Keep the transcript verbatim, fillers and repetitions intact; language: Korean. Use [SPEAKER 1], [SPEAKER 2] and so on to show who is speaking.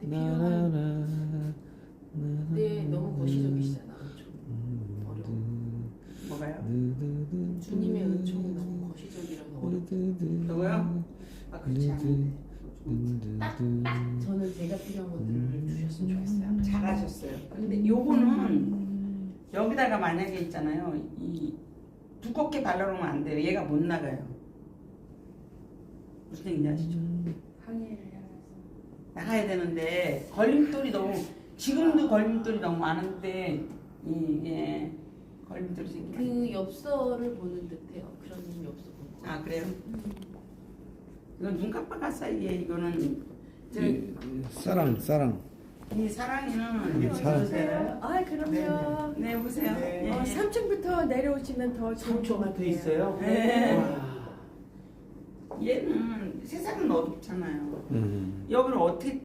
[SPEAKER 1] 때 필요한. 네, 너무 거시적이시잖아. 좀 어려워.
[SPEAKER 2] 뭐가요?
[SPEAKER 1] 주님의 은총이 너무 거시적이라서 어렵다.
[SPEAKER 2] 누구요? 아 그렇지 않은데
[SPEAKER 1] 딱, 딱 저는 제가 필요한 것들을 주셨으면 좋겠어요.
[SPEAKER 2] 잘하셨어요. 근데 요거는 여기다가 만약에 있잖아요. 이 두껍게 발라놓으면 안 돼요. 얘가 못 나가요. 무슨 얘기인지 아시죠?
[SPEAKER 3] 항해를 향해서.
[SPEAKER 2] 나가야 되는데 걸림돌이 너무 지금도 걸림돌이 너무 많은데 이게 걸림돌이 생기면
[SPEAKER 1] 그 엽서를 보는 듯해요. 그런 엽서 보는 거.
[SPEAKER 2] 아 그래요? 이건 눈 깜빡할 사이에 이거는 저,
[SPEAKER 4] 이- 사랑 사랑
[SPEAKER 2] 이 사랑이는
[SPEAKER 4] 이게 사랑.
[SPEAKER 3] 보세요. 아 그럼요.
[SPEAKER 2] 네 보세요.
[SPEAKER 5] 네.
[SPEAKER 2] 예,
[SPEAKER 3] 어,
[SPEAKER 2] 예.
[SPEAKER 3] 삼 층부터 내려오시면 더 좋을 것
[SPEAKER 5] 삼 층부터
[SPEAKER 3] 같아요.
[SPEAKER 5] 있어요?
[SPEAKER 2] 네.
[SPEAKER 5] 와.
[SPEAKER 2] 얘는 세상은 어둡잖아요.
[SPEAKER 4] 음.
[SPEAKER 2] 여기를 어떻게